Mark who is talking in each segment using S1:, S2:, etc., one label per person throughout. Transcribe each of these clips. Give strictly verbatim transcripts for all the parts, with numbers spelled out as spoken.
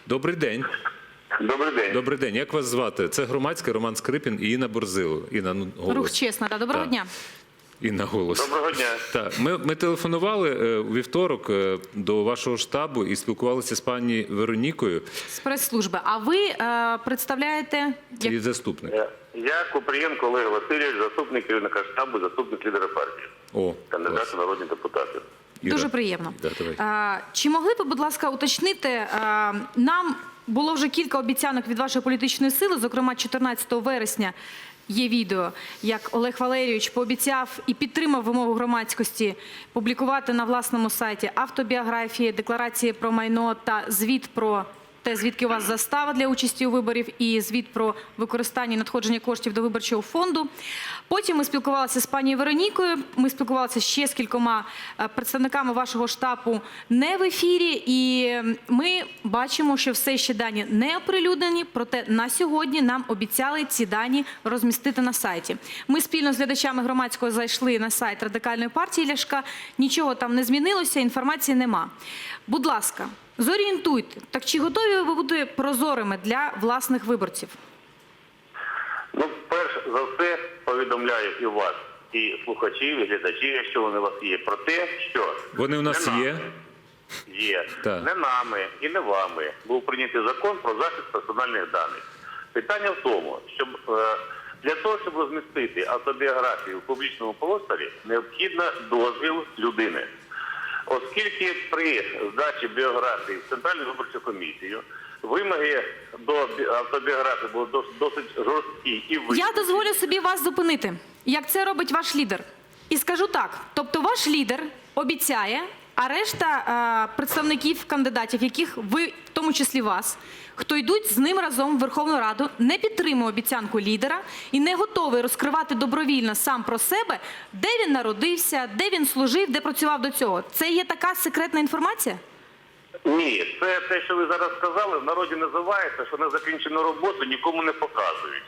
S1: Добрий день.
S2: Добрий день.
S1: Добрий день. Як вас звати? Це Громадське, Роман Скрипін і Інна Борзило. Інна, ну, голос.
S3: Рух чесно, да. Доброго
S1: Так.
S3: дня.
S1: Інна, голос.
S2: Доброго дня.
S1: Так, ми, ми телефонували е, у вівторок е, до вашого штабу і спілкувалися з пані Веронікою.
S3: З прес-служби. А ви е, представляєте...
S1: Це
S3: Як...
S1: її заступник.
S2: Я, я Купрієнко Олег Васильович, заступник керівника штабу, заступник лідера партії.
S1: О,
S2: Кандидат
S1: клас.
S2: у народні депутати.
S1: Іра.
S3: Дуже приємно.
S1: Да, давай.
S3: А, чи могли б, будь ласка, уточнити, а, нам було вже кілька обіцянок від вашої політичної сили, зокрема чотирнадцятого вересня є відео, як Олег Валерійович пообіцяв і підтримав вимогу громадськості публікувати на власному сайті автобіографії, декларації про майно та звіт про те, звідки у вас застава для участі у виборів і звіт про використання і надходження коштів до виборчого фонду. Потім ми спілкувалися з пані Веронікою, ми спілкувалися ще з кількома представниками вашого штабу не в ефірі, і ми бачимо, що все ще дані не оприлюднені, проте на сьогодні нам обіцяли ці дані розмістити на сайті. Ми спільно з глядачами громадського зайшли на сайт Радикальної партії Ляшка, нічого там не змінилося, інформації нема. Будь ласка, зорієнтуйте, так чи готові ви бути прозорими для власних виборців?
S2: Ну, перш за все, повідомляю і вас, і слухачів, і глядачів, якщо вони у вас є, про те, що...
S1: Вони у нас
S2: не
S1: є?
S2: нами, Є.
S1: Так.
S2: Не нами і не вами був прийнятий закон про захист персональних даних. Питання в тому, щоб е, для того, щоб розмістити автобіографію в публічному просторі, необхідно дозвіл людини. Оскільки при здачі біографії в Центральну виборчу комісію вимоги до автобіографії були досить жорсткі і вищі.
S3: Я дозволю собі вас зупинити, як це робить ваш лідер. І скажу так, тобто ваш лідер обіцяє, а решта е, представників, кандидатів, яких ви, в тому числі вас, хто йдуть з ним разом в Верховну Раду, не підтримує обіцянку лідера і не готовий розкривати добровільно сам про себе, де він народився, де він служив, де працював до цього. Це є така секретна інформація?
S2: Ні, це те, що ви зараз сказали, в народі називається, що незакінчену роботу нікому не показують.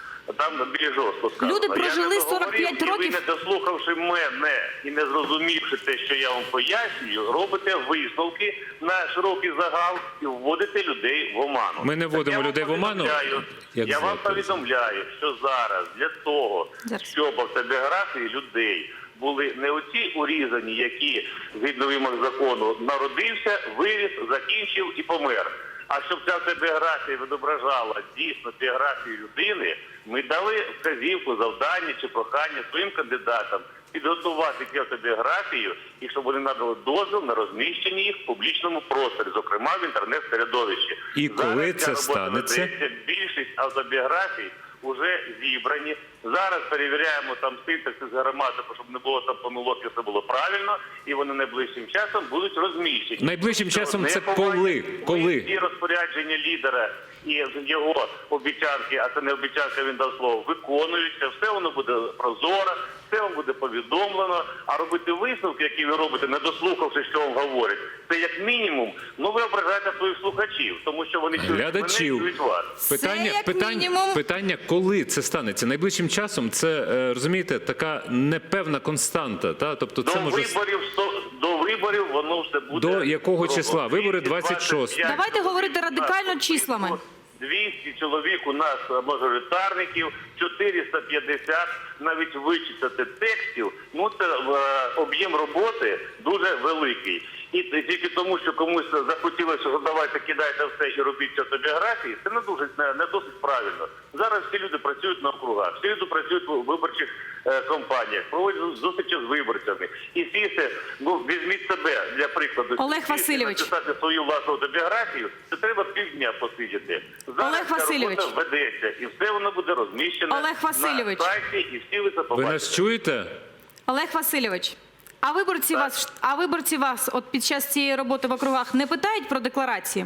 S2: Там більш жорстко сказано.
S3: Люди прожили
S2: Я не
S3: сорок п'ять
S2: договорив,
S3: років.
S2: І ви, не дослухавши мене і не зрозумівши те, що я вам пояснюю, робите висновки на широкий загал і вводите людей в оману.
S1: Ми не вводимо
S2: Так я
S1: людей
S2: вам
S1: в оману.
S2: повідомляю-
S1: Як
S2: Я вам
S1: звати?
S2: повідомляю, що зараз для того,
S3: Зараз.
S2: щоб автобіографії людей були не оці урізані, які, згідно вимог закону, народився, виріс, закінчив і помер. А щоб ця автобіографія відображала дійсно біографію людини, ми дали вказівку, завдання чи прохання своїм кандидатам підготувати цю автобіографію і щоб вони надали дозвіл на розміщення їх в публічному просторі, зокрема в інтернет-середовищі.
S1: І коли
S2: Зараз
S1: це
S2: ця робота
S1: станеться?
S2: ведеться. Більшість автобіографій вже зібрані. Зараз перевіряємо там синтаксис граматику, щоб не було там помилок, і все було правильно, і вони найближчим часом будуть розміщені.
S1: Найближчим
S2: Що
S1: часом
S2: не
S1: це
S2: повинні
S1: коли? Коли?
S2: Всі розпорядження лідера і його обіцянки, а це не обіцянка, він дав слово, виконуються, все воно буде прозоро, все вам буде повідомлено, а робити висновки, які ви робите, не дослухавши, що вам говорять, це як мінімум, ну ви ображаєте своїх слухачів, тому що вони чують мене,
S1: Глядачів.
S2: чують вас.
S1: Питання,
S3: як
S1: питання,
S3: мінімум.
S1: питання, коли це станеться? Найближчим часом це, е, розумієте, така непевна константа. Та? Тобто це
S2: До
S1: може...
S2: виборів, сто- до виборів воно все буде.
S1: До якого
S2: зроблено.
S1: числа? Вибори двадцять шостого.
S3: Давайте говорити радикально числами.
S2: двісті чоловік у нас мажоритарників, чотириста п'ятдесят, навіть вичитати текстів, ну це е, об'єм роботи дуже великий. І тільки тому, що комусь захотілося, що давайте кидайте все і робіть ці автобіографії, це не дуже не, не досить правильно. Зараз всі люди працюють на округах, всі люди працюють у виборчих е, кампаніях, проводять зустрічі з виборцями. І сісти, ну візьміть себе для прикладу.
S3: Олег
S2: сісти,
S3: Васильович.
S2: написати свою власну автобіографію, це треба півдня посидіти. Зараз
S3: Олег
S2: ця
S3: Васильович.
S2: робота ведеться, і все воно буде розміщено
S3: Олег Васильович.
S2: на сайті, і всі ви це
S1: Ви
S2: побачите.
S1: нас чуєте?
S3: Олег Васильович, а виборці вас, а виборці вас от під час цієї роботи в округах не питають про декларації?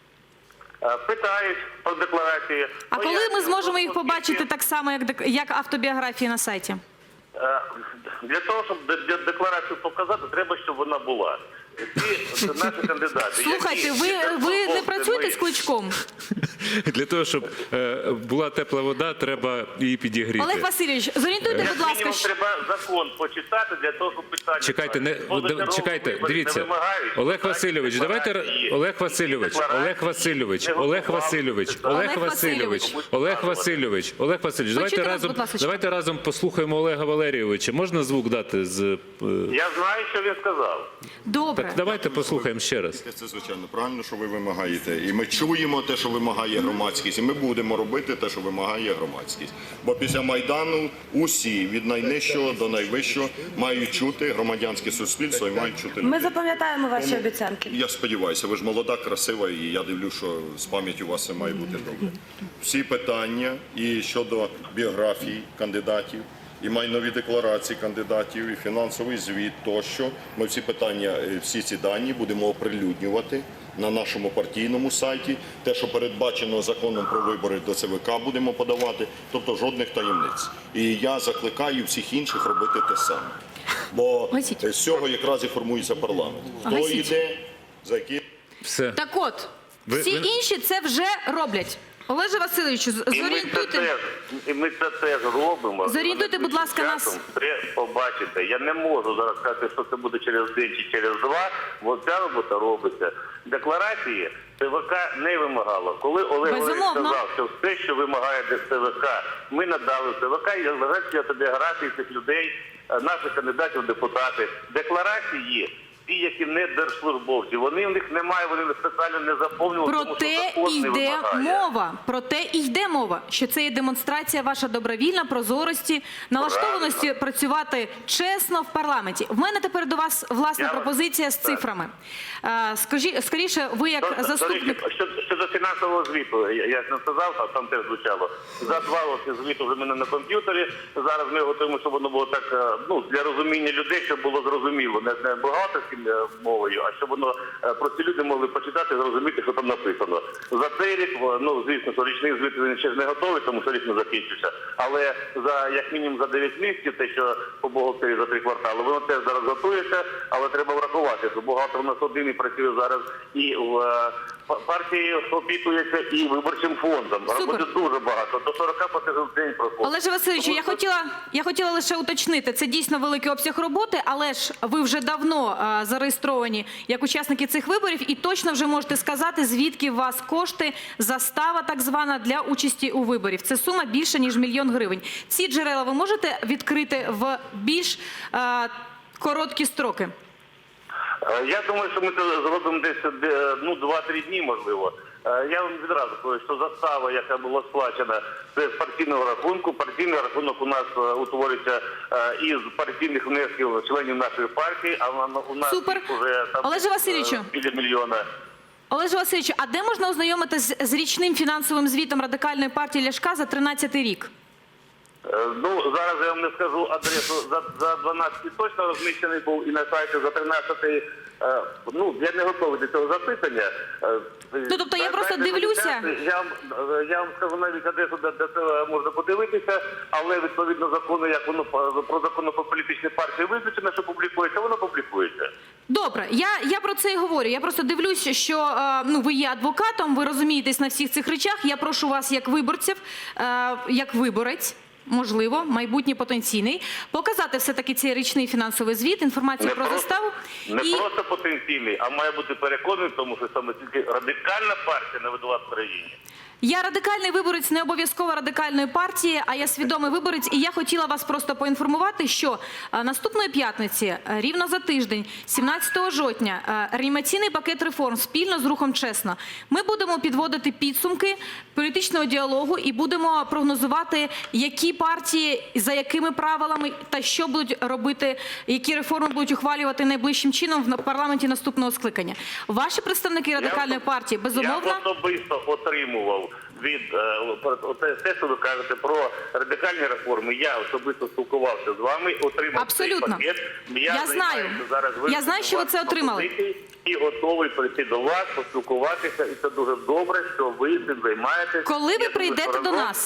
S2: Е, Питають про декларації.
S3: А коли ми
S2: Пояснюю,
S3: зможемо їх
S2: оскільки,
S3: побачити так само, як, дек- як автобіографії на сайті?
S2: е, Для того, щоб де- де- декларацію показати, треба, щоб вона була. Ці наші кандидати.
S3: Слухайте,
S2: які
S3: ви,
S2: під
S3: ви не
S2: службовцями-
S3: працюєте з Кличком?
S1: Для того, щоб е, була тепла вода, треба її підігріти.
S3: Олег Васильович, зорієнтуйте,
S2: Як
S3: будь ласка,
S2: мінімум,
S3: що...
S2: треба закон почитати для того, щоб питання...
S1: Чекайте, не
S2: Позачергові
S1: чекайте,
S2: вибори
S1: дивіться.
S2: не вимагають.
S1: Олег
S2: Так,
S1: Васильович, давайте
S2: декларації,
S1: Олег Васильович,
S2: декларації,
S1: Олег Васильович,
S2: не
S1: Олег
S2: готували
S1: Васильович,
S2: це.
S1: Олег
S3: Олег
S1: Васильович,
S3: Васильович.
S1: Олег Васильович, Олег Васильович. Давайте
S3: Почуйте нас,
S1: разом,
S3: будь ласка.
S1: давайте разом послухаємо Олега Валерійовича. Можна звук дати з е,
S2: Я знаю, що він сказав.
S3: Добре.
S1: так? Давайте послухаємо ще раз.
S4: Це, звичайно, правильно, що ви вимагаєте. І ми чуємо те, що вимагає громадськість, і ми будемо робити те, що вимагає громадськість. Бо після Майдану усі, від найнижчого до найвищого, мають чути громадянське суспільство і мають чути
S5: Ми
S4: людей.
S5: запам'ятаємо ваші обіцянки.
S4: Я сподіваюся, ви ж молода, красива, і я дивлюсь, що з пам'яттю у вас все має бути добре. Всі питання і щодо біографій кандидатів, і майнові декларації кандидатів, і фінансовий звіт тощо. Ми всі питання, е, всі ці дані будемо оприлюднювати на нашому партійному сайті. Те, що передбачено законом про вибори до Це Ве Ка, будемо подавати. Тобто жодних таємниць. І я закликаю всіх інших робити те саме. Бо
S3: Гасіть.
S4: з цього якраз і формується парламент. Хто
S3: Гасіть.
S4: йде, за які...
S1: Все.
S3: Так от,
S1: Ви-
S3: всі
S1: ви-
S3: інші це вже роблять. Олеже Васильовичу, з-
S2: І ми це
S3: зорієнтуйте.
S2: теж, і ми це теж робимо.
S3: Зорієнтуйте, будь ласка, нас.
S2: Часом Треба побачити. Я не можу зараз сказати, що це буде через день чи через два, бо ця робота робиться. Декларації Це Ве Ка не вимагало. Коли Олег Валерійович
S3: Безумовно.
S2: сказав, що все, що вимагає Це Ве Ка, ми надали Це Ве Ка, і лежать автобіографії цих людей, е, наших кандидатів в депутати. Декларації ті, які не держслужбовці, вони в них немає, вони спеціально не заповнювали,
S3: Про
S2: тому що
S3: те
S2: закон не
S3: йде
S2: вимагає.
S3: мова. Про те і йде мова, що це є демонстрація ваша добровільна, прозорості, налаштованості працювати чесно в парламенті. В мене тепер до вас власна
S2: Я вас-
S3: пропозиція з
S2: так.
S3: цифрами. Е, Скажі, скоріше, ви як
S2: До- до
S3: заступник.
S2: речі, Щодо, щодо фінансового звіту, я, я ж не сказав, а там теж звучало. За два роки звіту вже в мене на комп'ютері. Зараз ми готуємо, щоб воно було так, е, ну, для розуміння людей, щоб було зрозуміло. Не, не бухгалтерським е, мовою, а щоб воно е, прості люди могли почитати і зрозуміти, що там написано. За цей рік, в- ну, звісно, що річний звіт він ще ж не готовий, тому що рік не закінчився. Але за, як мінімум, за дев'ять місяців, те, що по бухгалтері за три квартали, воно теж зараз готується, але треба врахувати, що бухгалтер у нас один і працює зараз і в е, па- партії опікується, і виборчим фондом.
S3: Супер.
S2: Роботи дуже багато, до сорока платежів в день проходить.
S3: Олеже Васильовичу, я
S2: Тому
S3: хотіла, я хотіла лише уточнити, це дійсно великий обсяг роботи, але ж ви вже давно а, зареєстровані як учасники цих виборів і точно вже можете сказати, звідки у вас кошти, застава так звана для участі у виборів. Це сума більше, ніж мільйон гривень. Ці джерела ви можете відкрити в більш а, короткі строки?
S2: Е, Я думаю, що ми це зробимо десь де, ну, два-три дні, можливо. Е, Я вам відразу кажу, що застава, яка була сплачена, це з партійного рахунку. Партійний рахунок у нас е, утворюється е, із партійних внесків членів нашої партії, а на- у нас
S3: Супер.
S2: їх уже там
S3: Олеже Васильовичу.
S2: е, біля мільйона.
S3: Олеже Васильовичу, а де можна ознайомитися з, з річним фінансовим звітом Радикальної партії Ляшка за тринадцятий рік?
S2: Е, Ну, зараз я вам не скажу адресу. За, за дванадцятий точно розміщений був і на сайті за тринадцятий. Е, ну, я не готовий до цього запитання. Е,
S3: Ну, тобто я
S2: на
S3: просто
S2: сайті
S3: дивлюся.
S2: Я вам, е, я вам скажу навіть адресу, де, де це можна подивитися, але відповідно закону, як воно по- про закону про політичні партії визначено, що публікується, воно публікується.
S3: Добре, я, я про це і говорю. Я просто дивлюся, що е, ну, ви є адвокатом, ви розумієтесь на всіх цих речах. Я прошу вас, як виборців, е, як виборець, можливо, майбутній потенційний, показати все-таки цей річний фінансовий звіт, інформацію про
S2: просто-
S3: заставу.
S2: не
S3: І
S2: просто потенційний, а має бути переконаний в тому, що саме тільки радикальна партія не видала в країні.
S3: я радикальний виборець, не обов'язково радикальної партії, а я свідомий виборець. І я хотіла вас просто поінформувати, що е, наступної п'ятниці, е, рівно за тиждень, сімнадцятого жовтня, е, реанімаційний пакет реформ спільно з рухом «Чесно». Ми будемо підводити підсумки політичного діалогу і будемо прогнозувати, які партії, за якими правилами та що будуть робити, які реформи будуть ухвалювати найближчим чином в парламенті наступного скликання. Ваші представники радикальної партії, безумовно,
S2: Я особисто отримував від е, про- те, те, що ви кажете про радикальні реформи. Я особисто спілкувався з вами, отримав
S3: Абсолютно.
S2: цей пакет.
S3: Я
S2: займаюся
S3: знаю.
S2: зараз
S3: Я знаю, що ви це
S2: вивченням
S3: отримали.
S2: пропозицій і готовий прийти до вас, поспілкуватися. І це дуже добре, що ви цим займаєтесь.
S3: коли ви
S2: Я думаю,
S3: прийдете
S2: що
S3: до
S2: разом-
S3: нас?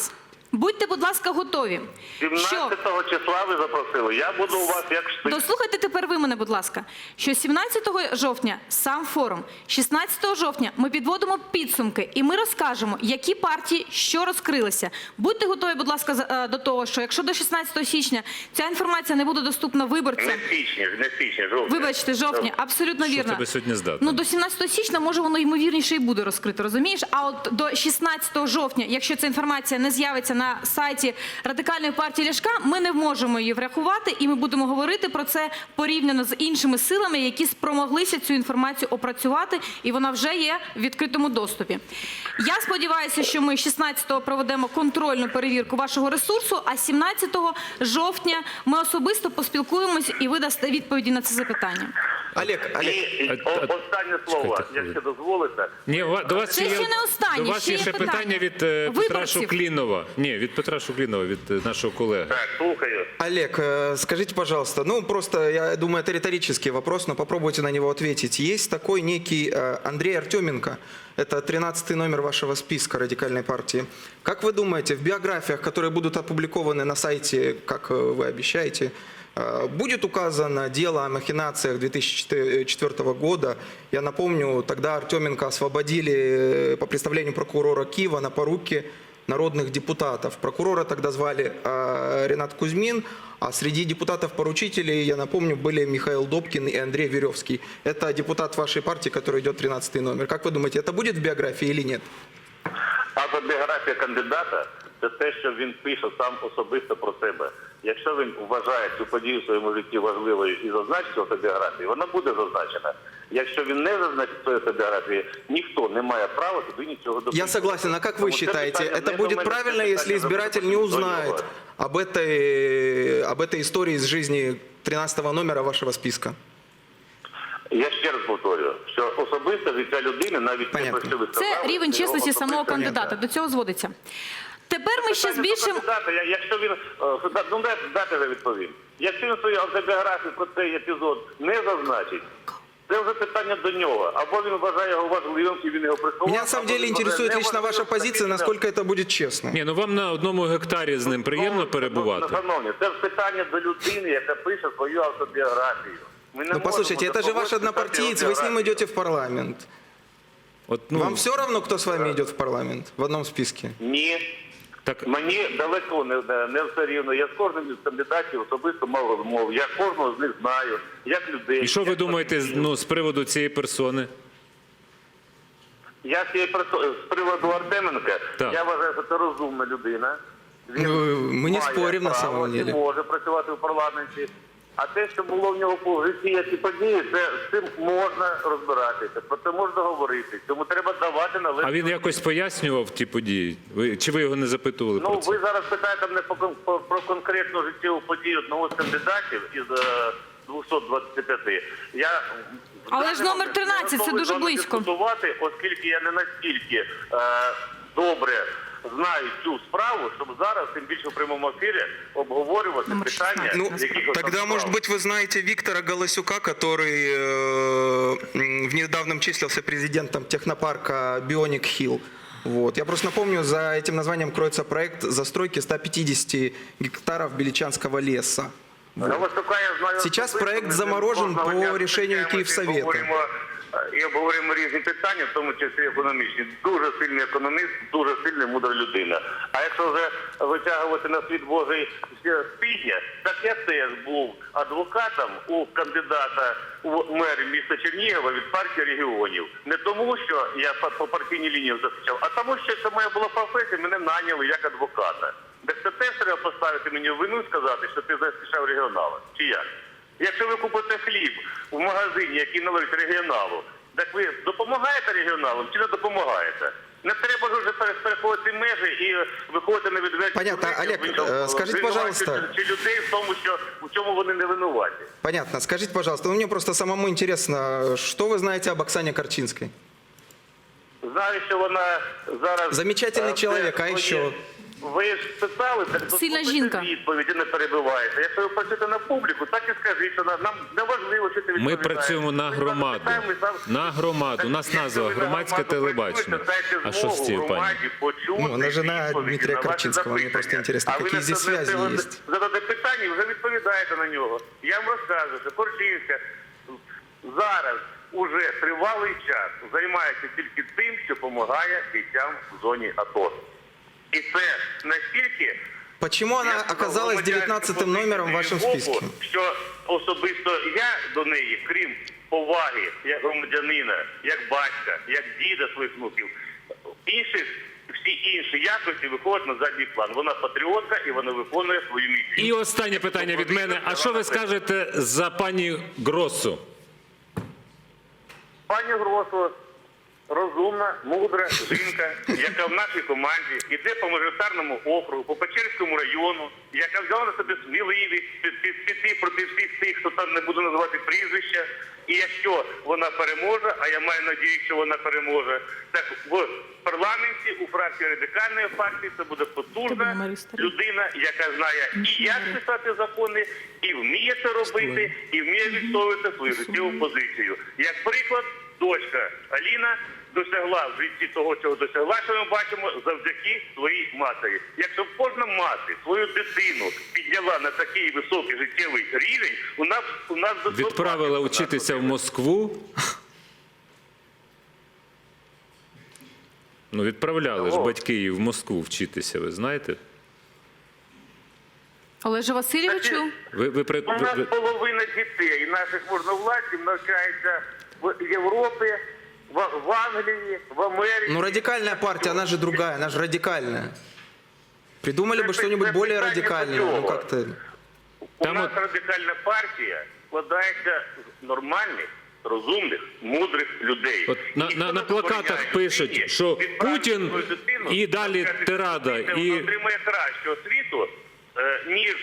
S3: Будьте, будь ласка, готові. Що...
S2: сімнадцятого числа ви запросили. Я буду у вас як штик.
S3: Дослухайте тепер ви мене, будь ласка, що сімнадцятого жовтня сам форум, шістнадцятого жовтня ми підводимо підсумки і ми розкажемо, які партії що розкрилися. Будьте готові, будь ласка, за- е, до того, що якщо до шістнадцятого січня ця інформація не буде доступна виборцям,
S2: Не січня, не січня, жовтня.
S3: вибачте, жовтня, абсолютно
S1: Що
S3: вірно.
S1: тебе сьогодні здатно?
S3: Ну, до сімнадцятого січня, може, воно ймовірніше і буде розкрито, розумієш? А от до шістнадцятого жовтня, якщо ця інформація не з'явиться на сайті Радикальної партії Ляшка, ми не можемо її врахувати, і ми будемо говорити про це порівняно з іншими силами, які спромоглися цю інформацію опрацювати, і вона вже є в відкритому доступі. Я сподіваюся, що ми шістнадцятого проведемо контрольну перевірку вашого ресурсу, а сімнадцятого жовтня ми особисто поспілкуємось і ви дасте відповіді на це запитання.
S6: Олег, Олег,
S2: І
S1: А-
S2: о-
S1: а-
S2: останнє слово,
S1: Чекайте,
S2: якщо дозволите.
S1: Ні, у ва- до вас
S3: Це
S1: ще
S3: ще
S1: є,
S3: не останнє,
S1: до вас
S3: ще
S1: є
S3: є
S1: ще
S3: питання.
S1: питання від е, Петра
S3: Виборців.
S1: Шуклінова. Ні, від Петра Шуклінова, від е, нашого колеги.
S2: Так, слухаю.
S6: Олег, э, скажите, пожалуйста, ну просто, я думаю, это риторический вопрос, но попробуйте на него ответить. Есть такой некий э, Андрей Артеменко, это тринадцатый номер вашего списка радикальной партии. Как вы думаете, в биографиях, которые будут опубликованы на сайте, как э, вы обещаете, э, будет указано дело о махинациях две тысячи четвёртого года? Я напомню, тогда Артеменко освободили э, по представлению прокурора Киева на поруки народных депутатов. Прокурора тогда звали э, Ренат Кузьмин, а среди депутатов-поручителей, я напомню, были Михаил Добкин и Андрей Веревский. Это депутат вашей партии, который идет тринадцатый номер. Как вы думаете, это будет в биографии или нет?
S2: Автобіографія кандидата – це те, що він пише сам особисто про себе. Якщо він вважає цю подію в своєму житті важливою і зазначить в автобіографії, вона буде зазначена. Якщо він не зазначить в своїй автобіографії, ніхто не має права туди нічого допустити.
S6: Я согласен. А как вы
S2: Тому це
S6: считаете,
S2: питання
S6: это
S2: не
S6: будет
S2: до мене,
S6: правильно,
S2: це
S6: если
S2: питання
S6: избиратель не
S2: до нього.
S6: узнает об этой, об этой истории из жизни тринадцатого номера вашего списка?
S2: Я ще раз повторюю, що особисто життя людини, навіть
S6: Понятно.
S2: те, про що ви
S3: Це
S2: сказали,
S3: рівень
S2: це
S3: чесності
S2: його
S3: самого
S2: особисте
S3: кандидата.
S2: життя.
S3: До цього зводиться. Тепер ми ще
S2: Питання до
S3: збільшимо...
S2: кандидата, я- якщо він, е, да- ну дайте, дайте я відповім. Якщо він свою автобіографію про цей епізод не зазначить, це вже питання до нього. Або він вважає його важливим і він його приховав.
S6: Меня на самом
S2: або
S6: деле
S2: він вважає
S6: интересует лично
S2: неважливим,
S6: ваша позиция,
S2: таким
S6: насколько это будет честно.
S1: Ні, ну вам на одному гектарі з ним приємно
S2: Ну,
S1: перебувати.
S2: ну, Шановні, це ж питання до людини, яка пише свою автобіографію. Ми не
S6: Ну послушайте,
S2: можемо
S6: это же ваш
S2: допомогти
S6: однопартиец,
S2: писати
S6: вы с ним
S2: автобіографію.
S6: идете в парламент.
S1: От, ну,
S6: Вам все равно, кто с вами идет в парламент в одном списке?
S2: Ні.
S1: так,
S2: Мені далеко не, не, не все рівно. Я з кожним із кандидатів особисто мав розмову. Я кожного з них знаю, як людей.
S1: і що ви
S2: як
S1: думаєте з-
S2: патріотів.
S1: ну, з приводу цієї персони?
S2: Я з, цієї персо- з приводу Артеменка,
S1: Так.
S2: я вважаю, що це розумна людина. Він
S6: Ну, ми не
S2: має
S6: споримо, на
S2: право
S6: самом
S2: і
S6: деле.
S2: може працювати в парламенті. А те, що було в нього по житті, які події, це з цим можна розбиратися, про це можна говорити. Тому треба давати належну.
S1: А він якось пояснював ті події? Ви, чи ви його не запитували
S2: Ну,
S1: про це?
S2: ви зараз питаєте мене по, кон- по- про конкретну життєву подію одного з кандидатів із е, двохсот двадцяти п'яти. Я
S3: Але ж номер тринадцять, це
S2: готовий
S3: дуже
S2: з вами
S3: близько.
S2: дискутувати, оскільки я не настільки е, добре знаю цю справу, щоб зараз, тим більше в прямому ефірі, обговорювати
S3: Номер
S2: питання,
S6: Ну,
S2: яких там
S6: тогда,
S2: справ.
S6: может быть, вы знаете Виктора Голосюка, который э, м, в недавнем числился президентом технопарка Bionic Hill. Вот. Я просто напомню, за этим названием кроется проект застройки ста пятидесяти гектаров Беличанского леса.
S2: Голосюка я знаю
S6: Сейчас
S2: особисто,
S6: проект
S2: ми з ним
S6: заморожен
S2: кожного
S6: по
S2: дня
S6: рішенню
S2: зустрічаємося
S6: Київсовета.
S2: І обговорюємо, е, і обговорюємо різні питання, в тому числі економічні. Дуже сильний економіст, дуже сильна мудра людина. А якщо вже витягувати на світ Божий ще спідня, так я теж був адвокатом у кандидата у мери міста Чернігова від партії регіонів. Не тому, що я по- по партійній лінії захищав, а тому, що це моя була професія, мене наняли як адвоката. Так це теж треба поставити мені в вину і сказати, що ти захищав регіонала. Чи як? Якщо ви купите хліб в магазині, який належить регіоналу, так ви допомагаєте регіоналам чи не допомагаєте? Не треба ж вже пере- переходити межі і виходити на відверті
S6: Понятно.
S2: позиції,
S6: Олег,
S2: звинувачувати
S6: е, скажіть, пожалуйста.
S2: чи людей в тому, що в чому вони не винуваті.
S6: Понятно. Скажите, пожалуйста, ну, мне просто самому интересно, что вы знаете об Оксане Корчинской?
S2: Знаю, що вона зараз...
S6: Замечательный
S2: е,
S6: человек, а
S2: своє-
S6: еще?
S2: Ви ж питали, так
S3: Сильна
S2: заслухайте
S3: жінка.
S2: відповіді, не перебивайте. Якщо ви працюєте на публіку, так і скажіть, що нам не важливо, що ти
S1: Ми
S2: відповідаєш.
S1: працюємо на
S2: Ми
S1: громаду.
S2: запитаємо, ми сам-
S1: На громаду. У нас
S2: Так,
S1: назва
S2: якщо ви на
S1: «Громадське
S2: громаду
S1: телебачення».
S2: працюєте,
S1: А
S2: дайте
S1: що з
S2: змогу
S1: цією пані?
S2: громаді почути
S6: Ну, она жена
S2: відповіді
S6: Дмитрия
S2: на ваші
S6: Корчинского. Мне
S2: запитання.
S6: просто интересно,
S2: А ви
S6: какие
S2: на
S6: здесь
S2: це- на
S6: связи
S2: це
S6: есть.
S2: задати питання і вже відповідаєте на нього. Я вам розказую, що Корчинська зараз уже тривалий час займається тільки тим, що допомагає бійцям в зоні АТО. І це настільки...
S6: Почему она
S2: Я сказав,
S6: оказалась
S2: громадянську
S6: девятнадцатым номером в вашем
S2: позицію
S6: списке?
S2: боку, що особисто я до неї, крім поваги як громадянина, як батька, як діда своїх внуків, інших, всі інші якості виходять на задній план. Вона патріотка і вона виконує свою місію.
S1: І останнє питання від мене. А що ви скажете за пані Гроссу?
S2: Пані Гросо, розумна, мудра жінка, яка в нашій команді йде по мажоритарному округу, по Печерському району, яка взяла на себе сміливість під- під- піти проти всіх тих, хто там не буде називати прізвища. І якщо вона переможе, а я маю надію, що вона переможе, так в парламенті у фракції Радикальної партії це буде потужна людина, яка знає і як писати закони, і вміє це робити, і вміє відстоювати свою життєву позицію. Як приклад, дочка Аліна досягла в житті того, чого досягла, що ми бачимо, завдяки своїй матері. Якщо б кожна мати свою дитину підняла на такий високий життєвий рівень, у нас у нас би
S1: Відправила
S2: у нас
S1: учитися в
S2: би-
S1: Москву. Ну, відправляли ж
S2: О.
S1: батьки її в Москву вчитися, ви знаєте?
S3: Олеже Васильовичу,
S1: Ви, ви, при-
S2: У
S1: ви,
S2: нас
S1: ви-
S2: половина дітей наших можновладців навчається в Європі, в, в Англії, в Америці.
S6: Ну, радикальная партия, она же другая, она же радикальная. Придумали бы
S2: Это-
S6: что-нибудь
S2: это
S6: более
S2: питание
S6: радикальное. Ну,
S2: другого.
S6: как-то...
S2: У
S1: Там
S2: нас
S1: от-
S2: радикальна партія складається з нормальних, розумних, мудрих людей.
S1: От на,
S2: Ніхто
S1: на,
S2: не
S1: на плакатах
S2: забороняє
S1: пишуть,
S2: дитині
S1: що
S2: відправити
S1: Путін
S2: свою дитину,
S1: і далі
S2: навчати
S1: тирада,
S2: дитину,
S1: і-
S2: вона отримає кращу освіту, е, ніж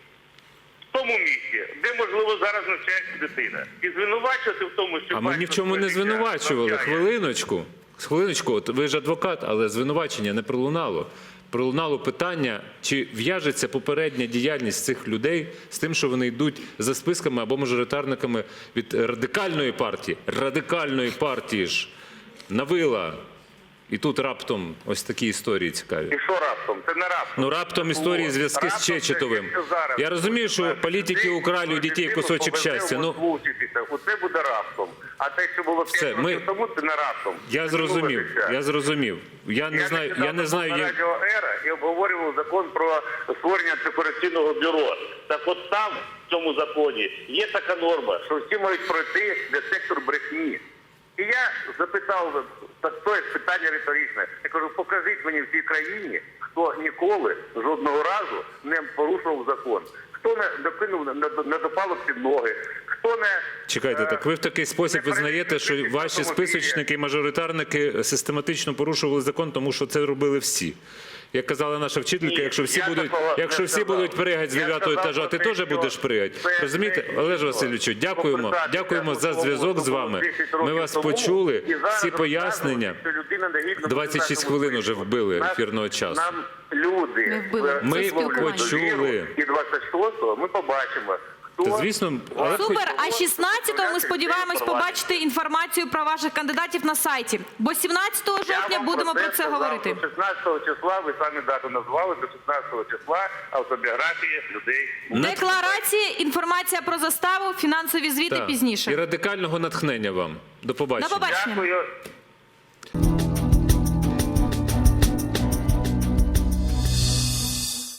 S2: в тому місці, де, можливо, зараз навчається дитина. І звинувачувати в тому, що
S1: А ми ні в
S2: батько
S1: чому не
S2: своє дитя
S1: звинувачували.
S2: навчає.
S1: Хвилиночку. Хвилиночку, от ви ж адвокат, але звинувачення не пролунало. Пролунало питання, чи в'яжеться попередня діяльність цих людей з тим, що вони йдуть за списками або мажоритарниками від радикальної партії. Радикальної партії ж навила. І тут раптом ось такі історії цікаві.
S2: І що раптом? Це не раптом.
S1: Ну, раптом історії
S2: От.
S1: зв'язки з
S2: Раптом це,
S1: Чечетовим.
S2: якщо зараз
S1: Я розумію, що
S2: наших
S1: політики
S2: людей,
S1: украли у дітей
S2: дитину
S1: кусочок
S2: повезе в
S1: щастя. Ну,
S2: Москву вчитися. Оце буде раптом. А те, що було
S1: Все,
S2: п'ять
S1: ми-
S2: років тому, це не раптом.
S1: я
S2: Це
S1: зрозумів,
S2: минуле
S1: я
S2: життя.
S1: зрозумів. Я не знаю, я не знаю,
S2: на
S1: як...
S2: радіо «Ера» і обговорював закон про створення антикорупційного бюро. Так от там, в цьому законі, є така норма, що всі мають пройти детектор брехні. І я запитав, так то є питання риторичне. Я кажу, покажіть мені в цій країні, хто ніколи, жодного разу не порушував закон. Хто не докинув, не, не допало під ноги, хто не...
S1: Чекайте,
S2: е,
S1: так ви в такий спосіб
S2: не
S1: визнаєте, що
S2: перевірив
S1: ваші
S2: автомобілі.
S1: списочники і мажоритарники систематично порушували закон, тому що це робили всі. Як казала наша вчителька,
S2: Ні,
S1: якщо всі
S2: я
S1: будуть,
S2: такого не
S1: якщо всі
S2: сказав.
S1: будуть пригати з
S2: Я
S1: дев'ятого
S2: сказав
S1: етажа,
S2: про
S1: ти
S2: те,
S1: теж
S2: що
S1: будеш пригати.
S2: це
S1: Розумієте,
S2: не
S1: Олеже
S2: дійсно.
S1: Васильовичу, дякуємо,
S2: Попитати
S1: дякуємо за
S2: того,
S1: зв'язок
S2: що
S1: з
S2: було
S1: вами.
S2: десять
S1: Ми
S2: років
S1: вас
S2: тому,
S1: почули,
S2: і зараз
S1: всі пояснення.
S2: розказувати, що людина негідно
S1: двадцять шість
S2: буде
S1: хвилин уже вбили
S2: Нас-
S1: ефірного часу.
S2: Нам люди
S3: Не вбили.
S2: е,
S1: Ми
S2: висловлюють
S1: почули.
S2: довіру, і двадцять шостого ми побачимо, хто...
S1: Та, звісно, але хоч-
S3: супер. А шістнадцятого ми сподіваємось побачити інформацію про ваших кандидатів на сайті. Бо сімнадцятого
S2: Я
S3: жовтня
S2: вам
S3: будемо про це
S2: сказав,
S3: говорити.
S2: до шістнадцятого числа, ви самі дату назвали, до шістнадцятого числа автобіографії людей.
S3: Декларація, інформація про заставу, фінансові звіти
S1: Так. І
S3: пізніше.
S1: радикального натхнення вам. До побачення.
S3: До побачення.
S2: Дякую.